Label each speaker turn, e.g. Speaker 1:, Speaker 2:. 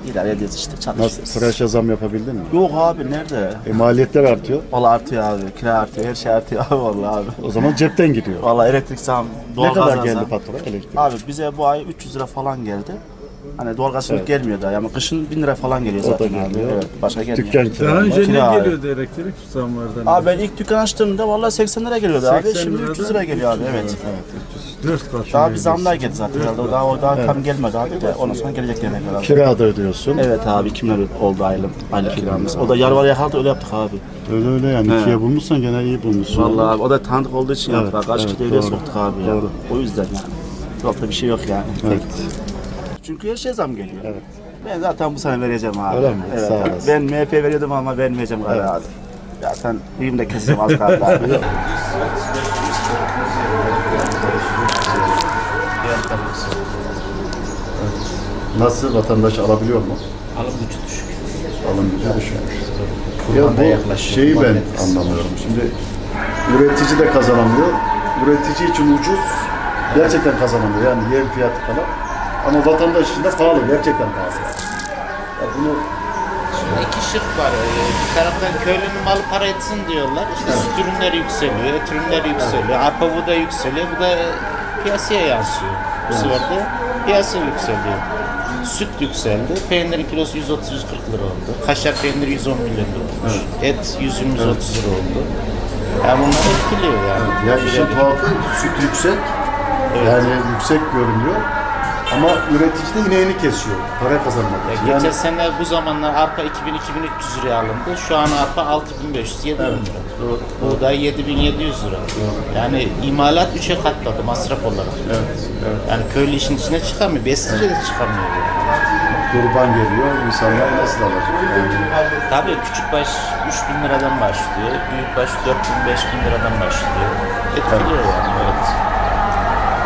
Speaker 1: İdare ediyoruz işte,
Speaker 2: Nasıl?
Speaker 1: çalışıyoruz.
Speaker 2: Tıraşa zam yapabildin mi?
Speaker 1: Yok abi, nerede?
Speaker 2: Maliyetler artıyor.
Speaker 1: Valla artıyor abi, kira artıyor, her şey artıyor abi vallahi abi.
Speaker 2: O zaman cepten gidiyor.
Speaker 1: Valla elektrik zam,
Speaker 2: Ne
Speaker 1: doğalgaz
Speaker 2: kadar
Speaker 1: zam.
Speaker 2: geldi fatura elektrik?
Speaker 1: Abi bize bu ay 300 lira falan geldi. Hani doğalgaz şimdi gelmiyor da, yani kışın 1000 lira falan geliyor
Speaker 2: O da
Speaker 1: zaten
Speaker 2: geliyor.
Speaker 1: abi. Evet, başka gelmiyor.
Speaker 2: Dükkan kira.
Speaker 3: Daha önce
Speaker 1: Kira
Speaker 3: ne
Speaker 1: abi.
Speaker 3: geliyordu elektrik zamlardan?
Speaker 1: Abi ben ilk dükkan açtığımda vallahi 80 lira geliyordu abi.
Speaker 3: 80
Speaker 1: Şimdi
Speaker 3: liradan
Speaker 1: 300 lira geliyor abi, evet.
Speaker 3: 4 kat.
Speaker 1: Daha bir zamlar geldi zaten herhalde. Daha tam gelmedi abi de, ondan sonra gelecek demek herhalde.
Speaker 2: Kira da ödüyorsun.
Speaker 1: Evet abi, 2 lira oldu aylık kiramız. O da yarı var yakaladı, öyle yaptık abi.
Speaker 2: Öyle öyle yani. İkiye bulmuşsan gene iyi bulmuşsun.
Speaker 1: Vallahi abi, o da tanıdık olduğu için
Speaker 2: Evet,
Speaker 1: yaptık. Kaç
Speaker 2: evet,
Speaker 1: kişi devre
Speaker 2: doğru.
Speaker 1: soktuk abi ya.
Speaker 2: Doğru.
Speaker 1: O yüzden yani. Yoksa bir şey yok yani.
Speaker 2: Evet.
Speaker 1: Çünkü her şey zam geliyor.
Speaker 2: Evet.
Speaker 1: Ben zaten bu sene vereceğim abi.
Speaker 2: Öyle mi?
Speaker 1: Evet.
Speaker 2: Sağ olasın.
Speaker 1: Ben MHP veriyordum ama vermeyeceğim galiba abi. Zaten büyüğüm de keseceğim az kaldı abi.
Speaker 2: Nasıl, vatandaş alabiliyor mu?
Speaker 4: Alım gücü düşük.
Speaker 2: Alım gücü düşükmüş.
Speaker 4: Kurban da
Speaker 2: Ya bu
Speaker 4: yaklaşıyor.
Speaker 2: şeyi
Speaker 4: Kurban
Speaker 2: ben
Speaker 4: etkisi.
Speaker 2: anlamıyorum. Şimdi üretici de kazanamıyor. Üretici için ucuz, gerçekten kazanamıyor. Yani yem fiyatı falan. Ama vatandaş için de pahalı, gerçekten pahalı. Ya bunu
Speaker 4: Şimdi iki şık var. Bir taraftan köylünün malı para etsin diyorlar. İşte süt ürünleri yükseliyor, et ürünleri yükseliyor, arpa buğday yükseliyor. Bu da piyasaya yansıyor. Bu sefer de piyasa yükseliyor. Süt yükseldi. Peynirin kilosu 130-140 lira oldu. Kaşar peyniri 110 milyon lira olmuş. Et 120-130 lira oldu. Yani bunlar etkiliyor yani.
Speaker 2: ya işin tuhafı süt yüksek. Yani yüksek görünüyor. Ama üretici de ineğini kesiyor. Para kazanmak için.
Speaker 4: Geçen
Speaker 2: Yani
Speaker 4: sene bu zamanlar arpa 2000-2300 liraya alındı. Şu an arpa 6500-7000 lira.
Speaker 2: doğru.
Speaker 4: Buğday 7700 lira. Yani imalat 3'e katladı masraf olarak. Yani köylü işin içine çıkamıyor. Beslice de çıkamıyor.
Speaker 2: kurban geliyor, insanlar nasıl alacak? Yani
Speaker 4: Tabii küçük baş 3000 liradan başlıyor. Büyük baş 4000-5000 liradan başlıyor. Etkiliyor yani. Böyle